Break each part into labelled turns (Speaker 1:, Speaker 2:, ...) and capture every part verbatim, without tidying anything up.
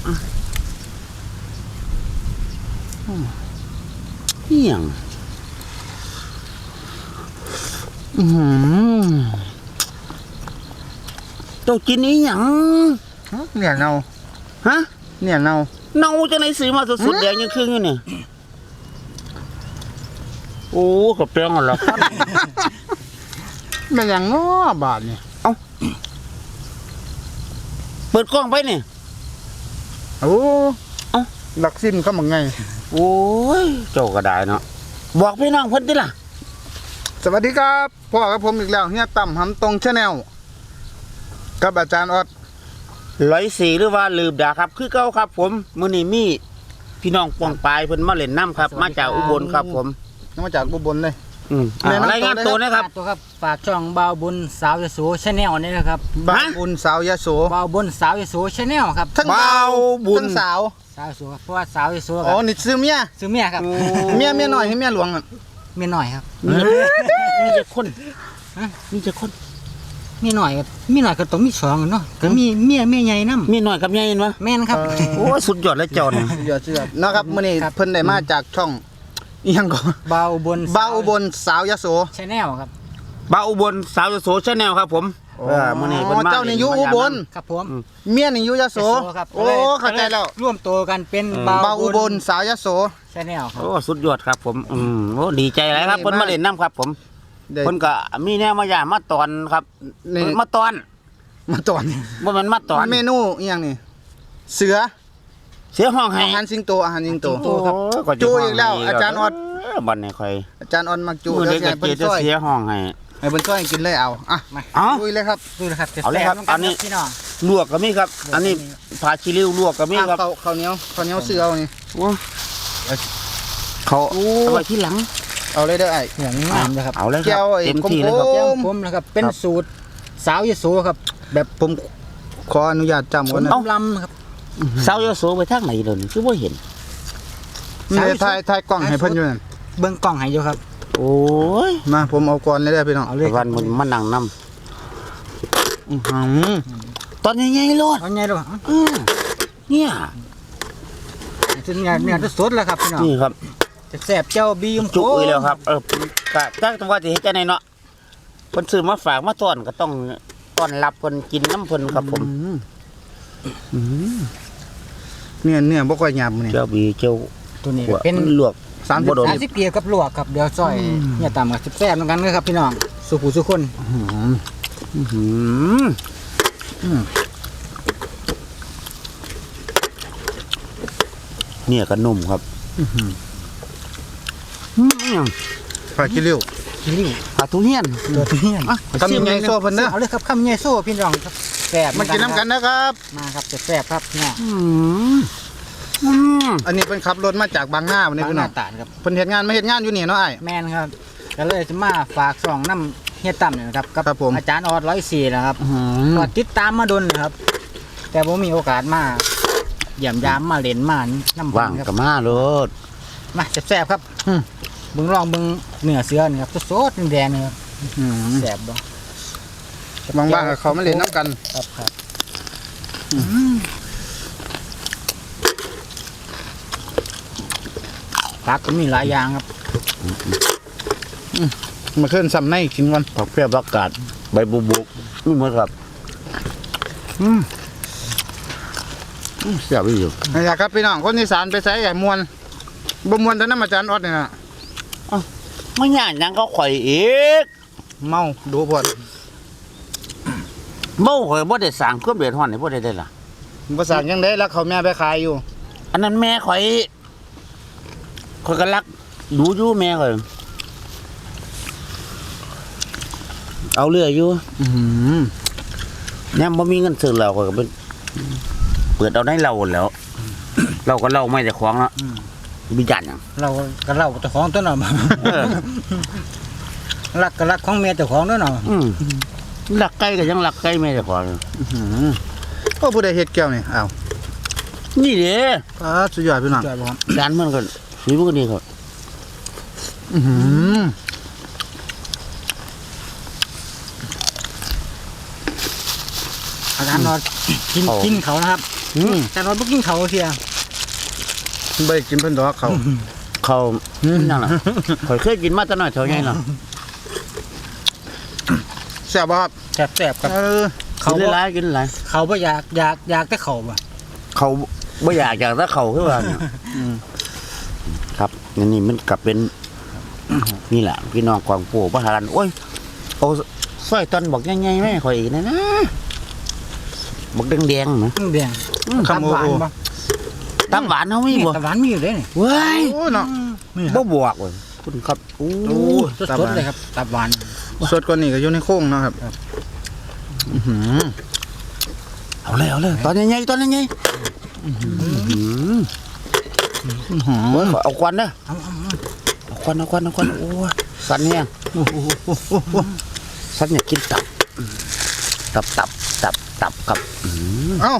Speaker 1: เฮียงอืมเจ้ากินนี้หยัง
Speaker 2: เนี่ยเน่า
Speaker 1: ฮะ
Speaker 2: เนี่ยเน่า
Speaker 1: เน่าจะไหนซื้อมาสดๆแดงยังครึ่งอยู่เนี่ยโอ้กับเปรี้ยงอ่ะล่ะ
Speaker 2: เป็นอย่างง้อบาทเนี่ย
Speaker 1: เปิดกล้องไปเนี่ย
Speaker 2: โอ้เอ้าหลักซิมเข้ามาไง
Speaker 1: โอ้ยเจ้าก็ได้เนาะบอกพี่น้องเพิ่นดิล่ะ
Speaker 2: สวัสดีครับพ่อกับผมอีกแล้วเฮียต่ำหำตรงชาแนลกับอาจารย์ออด
Speaker 1: ร้อยสี่หรือว่าลืมด่าครับคือเก้าครับ ผมมื้อนี้มีพี่น้องปองปลายเพิ่นมาเล่นน้ำครับ มาจากอุบลครับผม
Speaker 2: น้องมาจากอุบลเลย
Speaker 1: อืมอ่ารายงานตัวนะครับ
Speaker 3: ตัวครับฝากช่องบ่าวบุญสาวยโสชาแนลนี่นะครับ
Speaker 2: บ้านบุญสาวยโส
Speaker 3: บ่าวบุญสาวยโสชาแนลครับ
Speaker 2: ทั้ง
Speaker 1: บ่าวบุญ
Speaker 2: ทั้งสาว
Speaker 3: สาวโสครับเพราะว่าสาวยโสค
Speaker 2: อ๋
Speaker 3: รั
Speaker 2: อบ นี่ซื้อเมีย
Speaker 3: ซื้อเมียครับ
Speaker 2: เมียเมียน้อยให้เมียหลวงอ่ะ
Speaker 3: เมียหน่อยครับ
Speaker 1: มีจะคน
Speaker 3: ฮะ
Speaker 1: มีจะคน
Speaker 3: เมียหน่อยครับเมียหน่อยก็ต้องมีสองเนาะก็มีเมียเมียใหญ่นำ
Speaker 1: มีหน่อยกับใหญ่เห็นบ่
Speaker 3: แม่นครับ
Speaker 1: โอ้ยสุดยอดเลยเจ้าเนี่ย
Speaker 2: เดี๋ยวเชื่อนะครับมื้อนี้
Speaker 3: ครับ
Speaker 2: เพิ่นได้มาจากช่องอีหยังก่อน
Speaker 3: บ่าวบุญ
Speaker 2: บ้าวอุบลสาวยโส
Speaker 3: ชาแนลครับ
Speaker 1: บ่าวอุบลสาวยโสชาแนลครับผมเออมื้อนี้เพิ่นมา
Speaker 2: เจ้านี่อยู่อุบล
Speaker 3: ครับผม
Speaker 2: เมียนี่อยู่ยโส
Speaker 3: ยโสครับ
Speaker 2: โอ้เข้าใจแล้ว
Speaker 3: ร่วมตัวกันเป็น
Speaker 2: บ้าวอุบลสาวยโส
Speaker 3: ชาแนลครับ
Speaker 1: โอ้สุดยอดครับผมอืมโอ้ดีใจหลายครับเพิ่นมาเล่นน้ำครับ ผม
Speaker 2: เดี๋ยว
Speaker 1: เพิ่นก็มีแนวมาย่ามาตอนครับ
Speaker 2: นี่
Speaker 1: มาตอน
Speaker 2: มาตอน
Speaker 1: บ่แม่นมาตอน
Speaker 2: เมนูอีหยังนี่เสือ
Speaker 1: เสียห้องให้
Speaker 2: อาหารสิงโตอาหารสิงโต
Speaker 1: โอ้ก็จะ
Speaker 2: จูอีกแล้ว
Speaker 1: ห้งให้
Speaker 2: อาจารย์ออด
Speaker 1: เบัดนี้ค่อย
Speaker 2: อาจารย์ออนมักจู
Speaker 1: มื้อ
Speaker 2: แล้
Speaker 1: นี้
Speaker 2: ว
Speaker 1: ก็
Speaker 2: ให้เพิ่
Speaker 1: เจ
Speaker 2: น
Speaker 1: จะ
Speaker 2: ช่วย
Speaker 1: เสียห้องให้
Speaker 2: ให้เพิ่นช่วยกินเลยเอาอ่ะ
Speaker 1: เอ้า
Speaker 2: ลุยเลยครับ
Speaker 3: ดูนะครับจะ
Speaker 1: เอาเลยครับ
Speaker 3: แซ่
Speaker 1: อันนี้
Speaker 3: พี่น้อง
Speaker 1: ลวกก็มีครับ อันนี้ผักชีริ้วลวกก็มีครับ
Speaker 2: ข้าวข้าวเหนียวข้าวเหนียวเสือเอานี่
Speaker 1: โอ้เขาเอาไว้ที่หลัง
Speaker 2: เอาเลยเด้อไอ้
Speaker 3: เหลืองงามนะครับ
Speaker 1: เอาเลยค
Speaker 2: แก้
Speaker 1: รับ
Speaker 2: วไอ้
Speaker 1: เต็มที่เลยครับ
Speaker 2: โอ้
Speaker 3: แก้วผมนะครับเป็นสูตรสาวยโสครับ แบบ
Speaker 2: ผมขออนุญาตจำก่อนนะ
Speaker 3: ต้มลำครับ
Speaker 1: สาวยโสไปทางไหนเดี๋ยวนี้คือบ่เห็น
Speaker 2: นี่ถ่ายถ่ายกล้องให้เพิ่นอยู่นั่น
Speaker 3: เบิ้งกล่องให้อยู่ครับ
Speaker 1: โอ้ย
Speaker 2: มาผมเอาก่อนเลยเด้อพี่น้อง
Speaker 3: เอาเลย
Speaker 1: วันมันมานั่งนำ
Speaker 2: อื้อหือ
Speaker 1: ตอนใหญ่ๆโลด
Speaker 3: เอาไงดู
Speaker 1: อือเนี่ย
Speaker 3: จนเนี่ยเนี่ยสดแล้วครับพี่น้อง
Speaker 1: นี่ครับ
Speaker 3: จะแซ่บเจ้าบีม
Speaker 1: จุกอีแล้วครับ เออกะจักจังว่าสิเฮ็ดจังไดเนาะเพิ่นซื้อมาฝากมาต้อนก็ต้องต้อนรับเพิ่นกินน้ำเพิ่นครับผม
Speaker 2: อืมเนี่ยเนี่ยบ่ค่อยหยาบมื้อนี่
Speaker 1: เจ้าบีเจ้า
Speaker 3: ตัวนี้
Speaker 1: หัว
Speaker 3: เป็น
Speaker 1: ลวก
Speaker 2: สามสิบ
Speaker 1: บ่โดน
Speaker 3: สามสิบเกียร์กับลวกครับเดี๋ยวซอยเนี่ยตามกับแซ่บๆเหมือนกันนะครับพี่น้องสุขุสุคน
Speaker 1: อื้อหือเนี่ยก็นุ่มครับอื้อหือ
Speaker 2: ปลาคิริ้ว
Speaker 3: คิริ้ว
Speaker 1: ปลาทุเรียน
Speaker 3: ตัวนี้
Speaker 2: อ่ะคำใหญ่ๆโซ่เพิ่นเด้อ
Speaker 3: เอาเลยครับคำใหญ่โซ่พี่น้องครับแซ่บ
Speaker 2: มากินน้ำกันนะครับ
Speaker 3: มาครับจะแซ่บครับเนี่ย
Speaker 1: อืมอืม
Speaker 2: อันนี้เป็นขับรถมาจากบางนาวันนี้
Speaker 3: บาง
Speaker 2: พี่
Speaker 3: ห
Speaker 2: น้อ
Speaker 3: น้าง ตาลครับ
Speaker 2: เพิ่นเฮ็ดงานมาเฮ็ดงานอยู่นี่เนาะไอ้
Speaker 3: แมนครับก็เลยจะมาฝากส่องน้ำเฮียต่ำเนี่ยนะครับกับ
Speaker 2: ครับผม
Speaker 3: อาจารย์ออดร้อยสี่นะครับ
Speaker 1: อื้อหือ
Speaker 3: ก็ติดตามมาดนนะครับ แต่ผมมีโอกาสมาเยี่ยมยามมาเล่นมาน้ำ
Speaker 1: ว่าง
Speaker 3: ครั
Speaker 1: กับมาโลด
Speaker 3: มาแซ่บๆครับเบิ่งลองเบิ่งเนื้อเสือนี่ครับสดๆแดงๆนี่ครับ
Speaker 2: อืม
Speaker 3: แซ่บบ่
Speaker 2: บางบ้านก็เขามาเล่นน้ำกัน
Speaker 3: ครับครับผักก็มีหลายอย่างครับ
Speaker 2: มาขึ้นซ้ำในกินก่อน
Speaker 1: ผักเปรี้ยวผักกาดใบบุบุกนี่หมดครับอืมอืมเสียบอีกอยู่
Speaker 2: นะครับครับพี่น้องคนอีสานไปใส่ใหญ่มวนบ่มวนแต่น้ำอาจารย์ออดนี่นะ
Speaker 1: ไม่ย่านหยังก็ข่อยอีก
Speaker 2: เมาดูพอด
Speaker 1: เบ้าข่อยบ่ได้สั่งเครื่องเดือดร้อนให้บ่ได้ได้ล่ะ
Speaker 2: ภาษายังได้แล้วเขาแม่ไปขายอยู่
Speaker 1: อันนั้นแม่ข่อยข่อยก็รักดูอยู่แม่ข่อยเอาเรืออยู่
Speaker 2: อืม
Speaker 1: เนี่ยบ่มีเงินซื้อเหล้าข่อยก็เป็นเปิดเอาได้เหล้าแหล้วเราก็เหล้าไม่แต่ของแล้วมีจันหยัง
Speaker 3: เราก็เล่าเจ้าของตัวหน่อย
Speaker 1: เออ
Speaker 3: รักก็รักของเมียเจ้าของด้วยเนาะ
Speaker 1: อืมรักไก่ก็ยังรักไก่แม่แต่ของอยู่
Speaker 2: ก็ผู้ใดเฮ็ดแก้วนี่อ้าว
Speaker 1: นี่เด้
Speaker 2: อ่าสุดยอดพี่น้อง
Speaker 3: จอยบ่ครับ
Speaker 1: จานมันก็สีมันก็ดีครับ
Speaker 2: อื้อหือ
Speaker 3: อาจารย์นอนกินกินเขานะครับ
Speaker 1: อืม
Speaker 3: อาจารย์ออดบ่กินเขาเทีย
Speaker 2: ใบกินเพิ่นดอกเขา
Speaker 1: เขานั่นล่ะข่อยเคยกินมาแต่น้อยเท่าไงเนาะ
Speaker 2: แซ่บบ่ครับ
Speaker 3: แซ่บๆครับ
Speaker 2: เออ
Speaker 1: เขา
Speaker 3: เขา
Speaker 1: กิน
Speaker 3: บ่
Speaker 1: หลายกินหลาย
Speaker 3: เขาบ่อยากอยากอยากแต่เขาบ่
Speaker 1: เขาบ่อยากอยากถ้าเขาคือว่าเนี่ย
Speaker 2: อืม
Speaker 1: ครับนี่นี่มันกลับเป็นนี่แหละพี่น้องกวางปู่พระหารันโอ้ยเอาสร้อยตอนบอกง่ายๆไหมข่อยอีกนะนะบอกแดงๆนะ
Speaker 3: อืมแดง
Speaker 2: คำโอ
Speaker 3: หวาน
Speaker 2: โอ
Speaker 3: บ่
Speaker 1: ตับหวานเขาไม่บ่
Speaker 3: แต่หวานมีอยู่เด้นี่
Speaker 1: เว้ย
Speaker 2: โอ้เนาะ
Speaker 3: นี่ค
Speaker 1: บ่
Speaker 3: รับบ
Speaker 1: วกเว้ยคุณครับโอ้
Speaker 2: โอ้
Speaker 3: สดๆเลยครับตับหวาน
Speaker 2: สดกว่านี้ก็อยู่ในโค้งเนาะครับอื้อหือ
Speaker 1: เอาเลยเอาเลยตอนใหญ่ๆตอนใหญ่ๆ
Speaker 2: อื้อหือ
Speaker 1: โอ้ยเอาควันนะ
Speaker 3: เอาเอาเอา
Speaker 1: เอาควันเอาควันเอาควันโอ้ยสันเนี่ย
Speaker 2: โอ้โหโอ้โหโอ้โห
Speaker 1: สันเนี่ยกินตับตับตับตับตับกับอืม
Speaker 2: เอ้า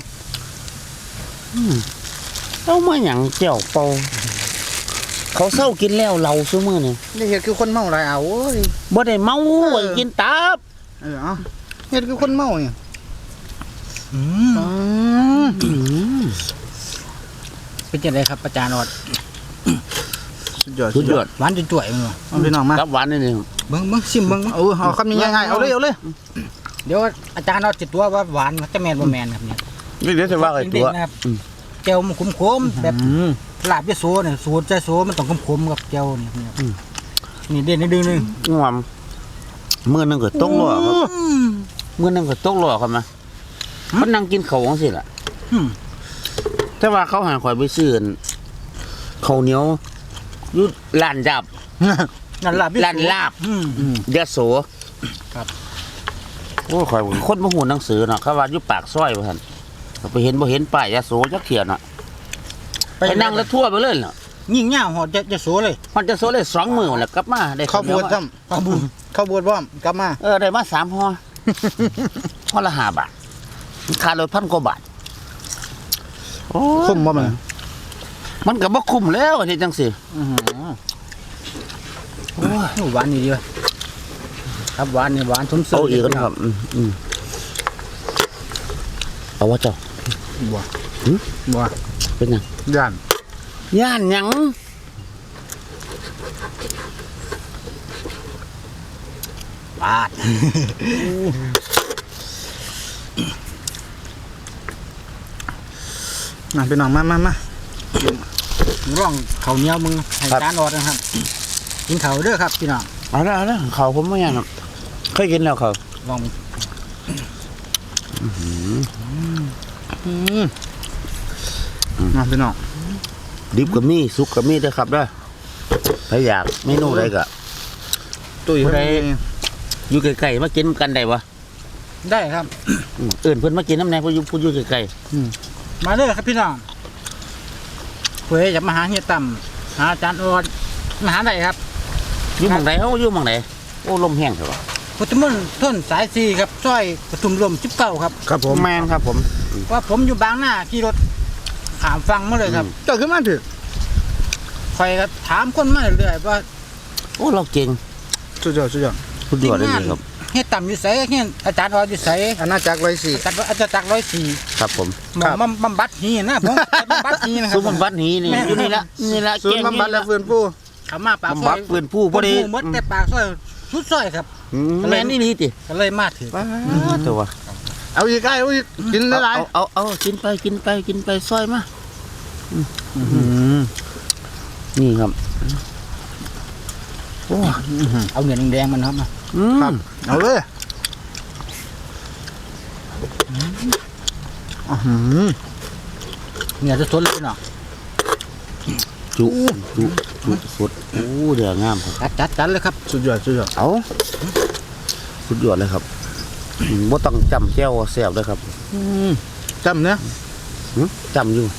Speaker 1: เอามาหยังเจียวเปาเขาเศร้ากินแล้วเราซื้อมือนี่
Speaker 2: นี่เฮ็ดคือคนเมาหลายเอาโอ้ย
Speaker 1: บ่ได้เมา
Speaker 2: เออ
Speaker 1: ไว้กินตับ
Speaker 2: เออเอาเฮ็ดคือคนเมาเนี่ย
Speaker 3: อืม
Speaker 2: อืม
Speaker 1: อืม
Speaker 3: เป็นจังไดครับอาจารย์ออด
Speaker 2: สุดยอด
Speaker 1: สุดยอด
Speaker 3: หวานจนจ่วยๆมันบ่
Speaker 2: เอาพี่น้องมา
Speaker 1: ตับหวานนี่นี่
Speaker 3: เบิ่งเบิ่งชิมเบิ่ง
Speaker 2: เอาเอาคำนี้ง่ายๆเอาเลยเอาเลย
Speaker 3: เดี๋ยวอาจารย์ออดสิตัวว่าหวานแต่แม่นบ่แม่นครับเนี่ย
Speaker 1: นี่เดี๋ยวจะว่าไอ้ตัว
Speaker 3: เด็กๆนะครับแก้วมันขมๆแบบ
Speaker 2: อืม
Speaker 3: ลาบยะโสเนี่ยสูตรใจโสมันต้องขมๆกับแก้วนี่ครับนี่เด่นนิดนึง
Speaker 1: งวมมือหนึงก็ตกหล่อครับมือหนึงก็ตกหล่อครับนะเขานั่งกินเขาวจังซี่ล่ะ
Speaker 3: อืม
Speaker 1: แต่ว่าเขาหาข่อยไปซื้ออั่นข้าวเหนียวอยู่ร้านดับ
Speaker 3: นั่นลาบยะโส
Speaker 1: ร้านลาบ
Speaker 3: อืม
Speaker 1: ยะโส
Speaker 3: ครับ
Speaker 1: โอ้ข่อยคนบ่ฮู้หนังสือเนาะเขาว่าอยู่ปากซอยว่าซั่นก็ไปเห็นบ่เห็นป้ายยะโสจักเที่ยเนาะไปนั่งแล้วทั่วไปเลยเนาะ
Speaker 3: ยิ่งยาวหอดจะจะโสเลย
Speaker 1: มันจะโซเลยสองมื้อแล้วกลับมาได้
Speaker 2: ข้าวบวช
Speaker 1: ค
Speaker 2: ซ้
Speaker 1: รับ
Speaker 2: ำข้าวบวชข้าวบวชพร้อมกลับมา
Speaker 1: เออได้มาสามห่อ ห่อละห้าบาทค่ารถพันกว่าบาทโอ้ย
Speaker 2: คุ้มบ่มัน
Speaker 1: มันก็บ่คุ้มแล้วอันนี้จังซี่
Speaker 2: อื้อหือ
Speaker 3: โอ้ยหวานนี่ดีว่ะครับหวานนี่หวานสมซื่
Speaker 1: เอาอีกแล้วครับอืมอืมเอาว่าเจ้า
Speaker 2: บัว
Speaker 1: หึ
Speaker 2: บัว
Speaker 1: เป็นหยัง
Speaker 2: ย่าน
Speaker 1: ย่านหยัง
Speaker 3: บาด
Speaker 2: มาพี่น้องมามามา
Speaker 3: ร่องข้าวเหนียวมึงให้อาจารย์ออดนะครับกินข้าวเด้อครับพี่น้อง
Speaker 1: เอาละเอาละเขาผมบ่ย่านหรอกเคยกินแล้วเขา
Speaker 3: ลอง
Speaker 2: อืมมาพี่น้อง
Speaker 1: ดิบก็มีสุกก็มีเด้อครับเด้อถ้าอยากเมนูใดก็
Speaker 2: ตุ้ย
Speaker 1: ผู้ใด
Speaker 2: เขามี
Speaker 1: อยู่ใกล้ๆมากินกันได้บ่
Speaker 3: ได้ครับ
Speaker 1: อืมเอิ้นเพิ่นมากินน้ำแหน่ผู้อยู่ผู้อยู่ใกล้
Speaker 3: มาเด้อครับพี่น้องเพื่อจะมาหาเฮียต่ำหาอาจารย์ออดมาหาได้ครับ
Speaker 1: ๆอยู่หม่องใดเฮาอยู่หม่องใดโอ้ลมแห้งเถอะวะ
Speaker 3: พุทธมนต์ต้นสายสี่ครับซอยปทุมลมสิบเก้าครับ
Speaker 2: ครับผม
Speaker 1: แม่นครับผม
Speaker 3: ว่าผมอยู่บางหน้าขี่รถขามฟังมาเลยครับ
Speaker 2: เจ้าขึ้นมาถึง
Speaker 3: คอยก็ถามคนมาเรื่อยๆว่า
Speaker 1: โอ้เราเก่ง
Speaker 2: สุดยอดสุดยอด
Speaker 1: สุดยอดเลยครับ
Speaker 3: เฮียต่ำอยู่ไสเฮียอาจารย์ออดอยู่ไส
Speaker 2: อาณาจักรร้อยสี่
Speaker 3: อาจารย์อาจารย์จักรร้อยสี่
Speaker 1: ครับผม
Speaker 3: หมอมาบำบัดหีนะผมไปบำบัดหีนะครั
Speaker 1: ซุปมันบัดนี้นี่
Speaker 3: แม่
Speaker 1: อยู่นี่ละนี่ละ
Speaker 2: ศูนย์บำบัดและฟื้นฟู
Speaker 3: เขามาปาก
Speaker 1: บำ
Speaker 3: ซ
Speaker 1: บั
Speaker 3: อ
Speaker 1: ด
Speaker 3: ย
Speaker 1: ฟื้นผู้พอดี
Speaker 3: หมดแต่ปากซอยสุดซอยครับ
Speaker 1: อืมแม่นนี่นี่ติ
Speaker 3: ก็เลยมาถึง
Speaker 1: ตัว
Speaker 2: เอาอีกไอ้เอาอีกกินหลาย
Speaker 1: เอาเอาเอากินไปกินไปกินไปซอยมา
Speaker 2: ๆอื้อหือ
Speaker 1: นี่ครับโอ้
Speaker 3: เอาเงินแดงๆมันครับมา
Speaker 1: อืม
Speaker 2: ครับเอาเลยอื้อหือ
Speaker 3: เงินจะสดเลยเนาะ
Speaker 1: จุจุจุสุดโอ้เดืองามครับ
Speaker 3: จัดจัดจัดเลยครับ
Speaker 2: สุดยอดสุดยอด
Speaker 1: เอาสุดยอดเลยครับอืมบ่ต้องจำแก้วแซ่บเลยครับ
Speaker 2: อืมจำเนี่ย
Speaker 1: หึจำอยู่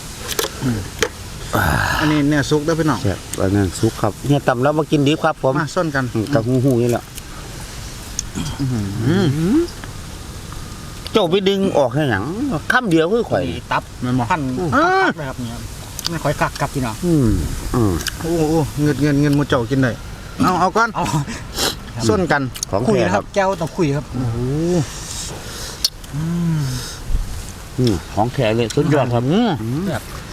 Speaker 2: อันนี้เนี่ยซุกได้อพี่น้อง
Speaker 1: แซ่บอันนั้นสุกครับเฮียตำแล้วมากินดีครับผม
Speaker 2: มาส้นกัน
Speaker 1: อืมกับหูหูนี่แหละ
Speaker 2: อืม
Speaker 1: เจ้าไปดึงออกให้หยังคำเดียวคือข่อย
Speaker 3: ตับ
Speaker 2: แม่นบ่
Speaker 3: พัน
Speaker 2: อ่า
Speaker 3: ตับเลยครับเนี่ยไม่ค่อยกักกับพี่น้อง
Speaker 1: อืมอืม
Speaker 2: โอ้โหเงินเงินเงินหมูเจ้ากินได้เอาเอาก่อน
Speaker 3: เอา
Speaker 2: ส้นกัน
Speaker 1: ของ
Speaker 3: คุย
Speaker 1: แท้
Speaker 3: นะ
Speaker 1: ค
Speaker 3: ค
Speaker 1: รั
Speaker 3: รับ บแก้วต้องคุยครับ
Speaker 2: โอ้โห
Speaker 1: อืมของแท้เลยสุดยอดครับ
Speaker 2: อืม
Speaker 1: อืม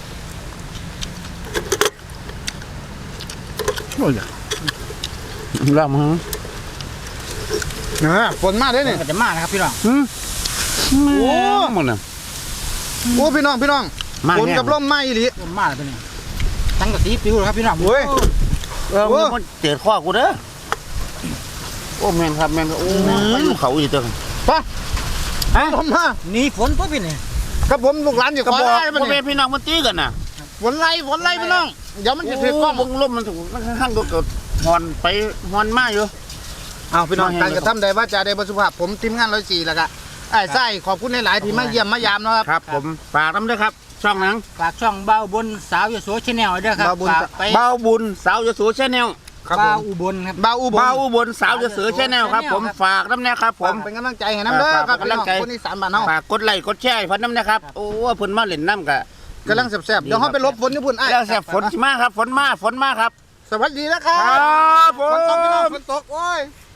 Speaker 2: โอ้ย
Speaker 1: แล้วมั้ง
Speaker 2: นะฝนมาได้นี่
Speaker 3: ก็จะมานะครับพี่น้อง
Speaker 1: อืม
Speaker 2: โอ้
Speaker 1: หมดน่ะ
Speaker 2: โอ้พี่น้องพี่น้อง
Speaker 1: มา
Speaker 2: ฝน
Speaker 1: แห้ง
Speaker 2: กับลมมาอีหลี
Speaker 3: ลมมาแล้วตัวนี้ตั้งกระสีปิวเลยครับพี่น้อง
Speaker 2: โอ้ย
Speaker 1: เออ
Speaker 2: โอ้
Speaker 1: มันเจ็ดข้อกูเด้อโอ้แม่นครับแม่นครับโอ้ไปอยู่เขาอีกเด้อ
Speaker 2: ไป
Speaker 1: ฮะ
Speaker 2: ลมมา
Speaker 3: หนี่ฝนตัวพี่นี่
Speaker 2: กับผมลูกหลานอยู่
Speaker 1: กระ
Speaker 2: ขอ
Speaker 1: บอก
Speaker 2: ไล่
Speaker 1: พ่
Speaker 2: มา
Speaker 1: อแม่
Speaker 2: เนี่ย
Speaker 1: พี่น้องมันตีกันน่ะ
Speaker 2: ฝนไล่ฝนไล่พี่น้องเดี๋ยวมันจะถือกล้อง
Speaker 1: โบงลมมันถูกมันข้างๆก็เกิดฮอนไปฮอนมาอยู่
Speaker 2: เอาพี่น้อง
Speaker 1: มาให้
Speaker 2: การกระทำใดว่าจะได้บรสุภาพผมทีมงานร้อยสี่แล้วก็ไอ้ไส้ขอบคุณหลายๆที่มาเยี่ยมมายามเนาะครับ
Speaker 1: ครับ ผมฝากน้ำด้วยครับ ช่องหนัง
Speaker 3: ฝากช่องเบาบนสาวยโสชแนลด้วยครับ
Speaker 2: เบาบุญ
Speaker 3: ฝากไป
Speaker 1: เบาบุญสาวยโสชาแนล
Speaker 2: ครับผ
Speaker 3: เบาม อุบลครับ
Speaker 2: เบาอุบล
Speaker 1: เบาบุญสาวยโสชาแนลครับ ผม
Speaker 3: ครับ
Speaker 1: ฝากน้ำเนี่ยครับผ
Speaker 2: ผม มเป็นกำลังใจให้น้ำเด้อ
Speaker 1: ฝาก
Speaker 2: ครับ
Speaker 1: เป็นกำลังใจ
Speaker 2: พี่น้อคนอีสานบ้านเฮา
Speaker 1: ฝากกดไลค์กดแชร์ให้พันน้ำนะครับ โอ้เพิ่นมาเล่นน้ำกะ
Speaker 2: กำลังแซ่บๆเดี๋ยวเฮาไปลบฝนญี่ปุ่นไอ้
Speaker 1: แล้วแซ่บฝนสิมาครับฝนมาฝนมาครับ
Speaker 2: สวัสดีนะครับ
Speaker 1: ครับผ
Speaker 2: ฝนตกพี่น้อง
Speaker 1: ม
Speaker 2: ฝนตกโอ้ย